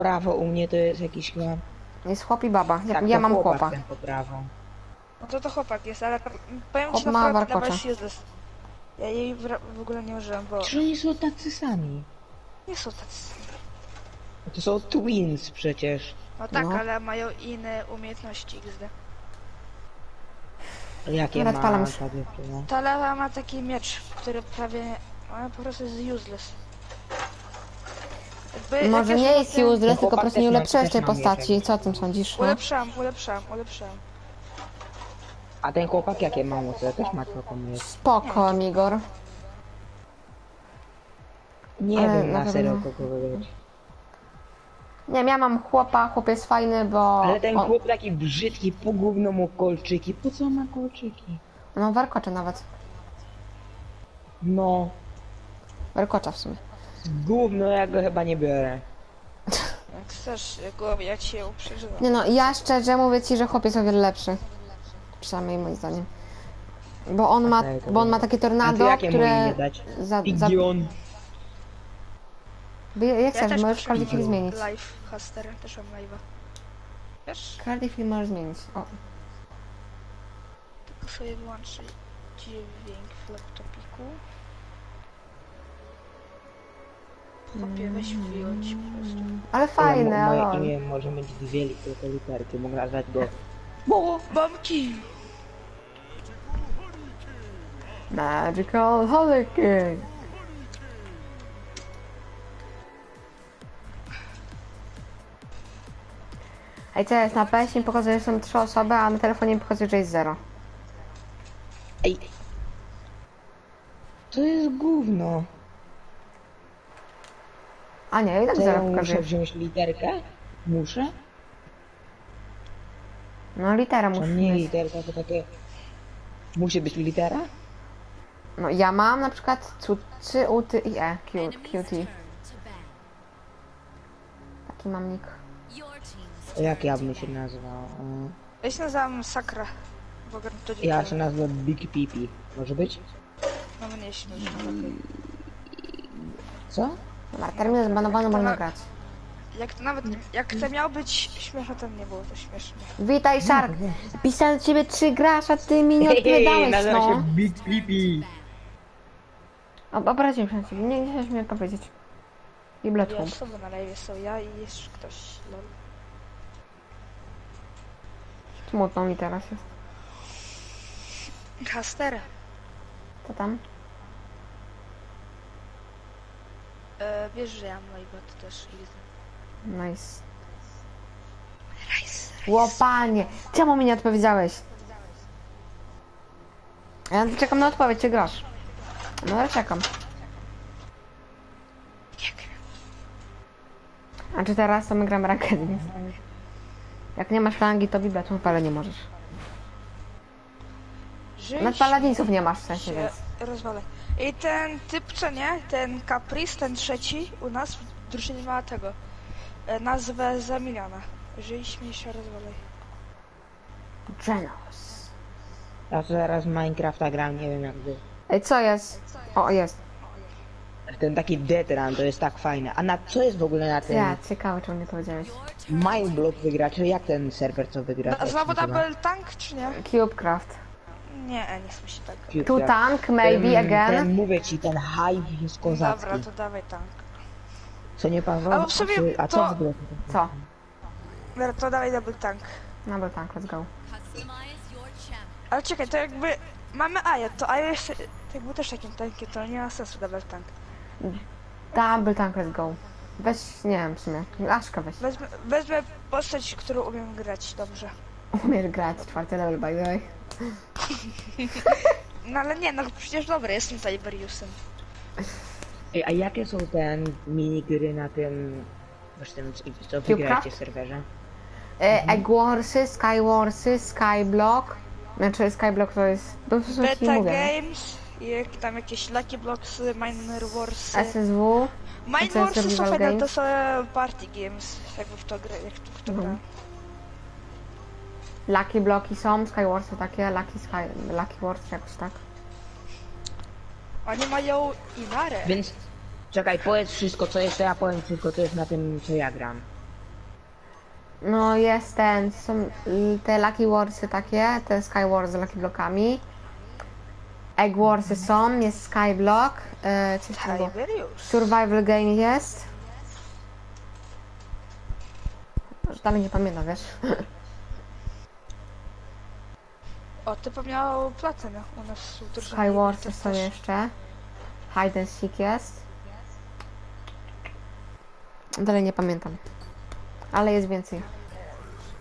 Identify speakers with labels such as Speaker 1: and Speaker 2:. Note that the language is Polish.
Speaker 1: Prawo u mnie to jest jakiś chyba...
Speaker 2: Jest chłop i baba.
Speaker 1: Tak,
Speaker 2: Ja
Speaker 1: to
Speaker 2: mam
Speaker 1: chłopak
Speaker 2: chłopa.
Speaker 1: ten po prawo.
Speaker 3: No to chłopak jest, ale powiem
Speaker 2: Chłop
Speaker 3: ci
Speaker 2: ma
Speaker 3: naprawdę,
Speaker 2: warkocza.
Speaker 3: dawać useless. Ja jej w ogóle nie użyłem, bo
Speaker 1: Czy oni są tacy sami?
Speaker 3: nie są tacy.
Speaker 1: To są twins przecież.
Speaker 3: No tak,
Speaker 2: No.
Speaker 3: ale mają inne umiejętności XD.
Speaker 1: Jakie
Speaker 2: Dobra,
Speaker 1: ma
Speaker 2: odpalam
Speaker 1: ta
Speaker 2: już.
Speaker 1: dziewczyna?
Speaker 3: Ta lewa ma taki miecz, który prawie... Ona po prostu jest useless. Jakby
Speaker 2: Może
Speaker 3: jakieś
Speaker 2: nie jest
Speaker 3: potem-
Speaker 2: useless, tylko po
Speaker 1: chłopak
Speaker 2: prostu
Speaker 1: też
Speaker 2: nie
Speaker 1: ma-
Speaker 2: ulepszyłeś
Speaker 1: też
Speaker 2: tej
Speaker 1: ma
Speaker 2: postaci.
Speaker 1: mieczek.
Speaker 2: Co o tym sądzisz? No?
Speaker 3: Ulepszam.
Speaker 1: A ten chłopak jakie ma moce? Też ma taką mieć.
Speaker 2: Spoko, Igor.
Speaker 1: Nie
Speaker 2: Ale
Speaker 1: wiem
Speaker 2: na
Speaker 1: na serio
Speaker 2: pewno.
Speaker 1: kogo wybrać.
Speaker 2: Nie wiem, ja mam chłopa, chłop jest fajny, bo...
Speaker 1: Ale ten
Speaker 2: on-
Speaker 1: chłop taki brzydki, po gówno mu kolczyki. Po co ma kolczyki?
Speaker 2: No warkocza nawet.
Speaker 1: No,
Speaker 2: Warkocza w sumie.
Speaker 1: gówno ja go chyba nie biorę.
Speaker 3: Jak chcesz, głowie, ja ci ją przeżywam.
Speaker 2: Nie no, ja szczerze mówię ci, że chłop jest o wiele lepszy. Przynajmniej moim zdaniem. Bo on ma,
Speaker 1: Okej, to
Speaker 2: bo on ma
Speaker 1: dobra.
Speaker 2: takie
Speaker 1: A to
Speaker 2: tornado,
Speaker 1: jakie mu
Speaker 2: które...
Speaker 1: imię dać?
Speaker 2: Za,
Speaker 1: Pigion.
Speaker 2: jak chcesz, możesz każdy chwili zmienić.
Speaker 3: Live Haster, też mam live'a. Wiesz?
Speaker 2: Każdy chwili możesz zmienić. O.
Speaker 3: Tylko sobie wyłączę dźwięk w laptopiku. Chłopie, weź wyjąć po prostu.
Speaker 2: Ale fajne,
Speaker 1: Moje
Speaker 2: ale...
Speaker 1: imię może mieć dwie tylko literki. Mogę nazwać go...
Speaker 3: Bombki!
Speaker 2: Magical Hurricane. Ej, co jest? Na PS mi pokazuje, że są 3 osoby, a na telefonie mi pokazuje, że jest 0.
Speaker 1: Ej! To jest gówno.
Speaker 2: A nie, i tak
Speaker 1: Co ja
Speaker 2: 0
Speaker 1: muszę
Speaker 2: pokazuje.
Speaker 1: wziąć literkę? Muszę?
Speaker 2: No litera
Speaker 1: To
Speaker 2: musi
Speaker 1: nie
Speaker 2: mieć.
Speaker 1: literka, to takie... Musi być litera?
Speaker 2: No ja mam na przykład C, U, T i E. QT. Taki mam nick.
Speaker 1: Jak ja bym się nazwał?
Speaker 3: Ja się nazywam Sakra. Bo gram to
Speaker 1: Ja się nazwę Big Pipi. Może być?
Speaker 3: No mnie śmieszy, okej.
Speaker 1: Co?
Speaker 2: Dobra, termin zbanowany, można grać.
Speaker 3: Jak to nawet, jak to miało być śmieszne, to nie było to śmieszne.
Speaker 2: Witaj, Shark! Pisałem do ciebie 3 grasz, a ty mi nie odpowiadałeś,
Speaker 1: nazywa
Speaker 2: no.
Speaker 1: się Big Pipi.
Speaker 2: Obraziłem się na ciebie, nie chciałeś mi odpowiedzieć. I Bloodhound.
Speaker 3: Ja sobie na live są ja i jeszcze ktoś. Lol.
Speaker 2: Smutno mi teraz jest.
Speaker 3: Haster.
Speaker 2: Co tam?
Speaker 3: Wiesz, że ja mam live'a, to też easy.
Speaker 2: Nice.
Speaker 3: Rice.
Speaker 2: Łopanie! Czemu mi nie odpowiedziałeś? Ja czekam na odpowiedź, czy grasz? No ale czekam.
Speaker 3: Jak?
Speaker 2: A czy teraz to my gramy ranked, nie? Jak nie masz rangi, to bibetu, ale nie możesz. Nawet paladinsów nie masz w sensie, więc...
Speaker 3: Rozwalę. I ten typ, co nie? Ten Caprice, ten trzeci u nas w drużynie ma tego. Nazwę za miliona. Żyj, śmiej się, rozwalaj.
Speaker 2: Genos.
Speaker 1: Ja zaraz Minecrafta gram, nie wiem jak wy.
Speaker 2: Ej, co jest? O, jest.
Speaker 1: Ten taki Dead Run to jest tak fajne. A na co jest w ogóle na tym
Speaker 2: Ja, ciekawe, czemu nie powiedziałeś.
Speaker 1: Mineblock wygrać? Jak ten serwer co wygra?
Speaker 3: No, znowu double tank, czy nie?
Speaker 2: Cubecraft.
Speaker 3: Nie, nie chcę się tak.
Speaker 2: Two tank, maybe again.
Speaker 1: Ten mówię ci, ten hype jest kozacki.
Speaker 3: Dobra, to dawaj tank.
Speaker 1: Co nie Paweł?
Speaker 3: Ale w sumie
Speaker 1: A co
Speaker 3: to-
Speaker 1: w ogóle?
Speaker 2: Co?
Speaker 3: Dobra, to dawaj double tank.
Speaker 2: Double tank, let's go.
Speaker 3: Ale czekaj, to jakby mamy Aja, to Aja jeszcze tak był też takim tankiem, to nie ma sensu double tank.
Speaker 2: Double tank, let's go. Weź, nie wiem w sumie. Aszka weź.
Speaker 3: Wezmę postać, którą umiem grać dobrze.
Speaker 2: Umiesz grać, 4 level by the way.
Speaker 3: No ale nie, no przecież dobra, jestem Tiberiusem.
Speaker 1: Ej, a jakie są te minigry na tym... Właśnie tym, co wygracie w serwerze?
Speaker 2: Egg Warsy, Sky Warsy, Skyblock. Znaczy Skyblock to jest... To są ci
Speaker 3: Beta
Speaker 2: mówię.
Speaker 3: Games, i tam jakieś Lucky Blocksy, Miner Warsy.
Speaker 2: SSW.
Speaker 3: Mine
Speaker 2: co jest
Speaker 3: Warsy są
Speaker 2: Survival
Speaker 3: fajne, to
Speaker 2: Games?
Speaker 3: są party games, jakby w to gra, jak w to gra.
Speaker 2: Lucky Blocki są, Sky Warsy takie, Lucky Wars jakoś tak.
Speaker 3: Oni mają Inarę.
Speaker 1: Więc... Czekaj, powiedz wszystko co jest, to ja powiem wszystko co jest na tym co ja gram.
Speaker 2: No jest ten, są te Lucky Warsy takie, te Sky Wars z Lucky Blockami. Egg Warsy są, jest Skyblock, coś tam było.
Speaker 3: Tiberius.
Speaker 2: Survival Game jest. Już dalej nie pamiętam, wiesz.
Speaker 3: O, typ miał platynę u nas w drużynie.
Speaker 2: Sky Warsy
Speaker 3: Typ
Speaker 2: są
Speaker 3: też.
Speaker 2: jeszcze. Hide and Seek jest. Dalej nie pamiętam. Ale jest więcej.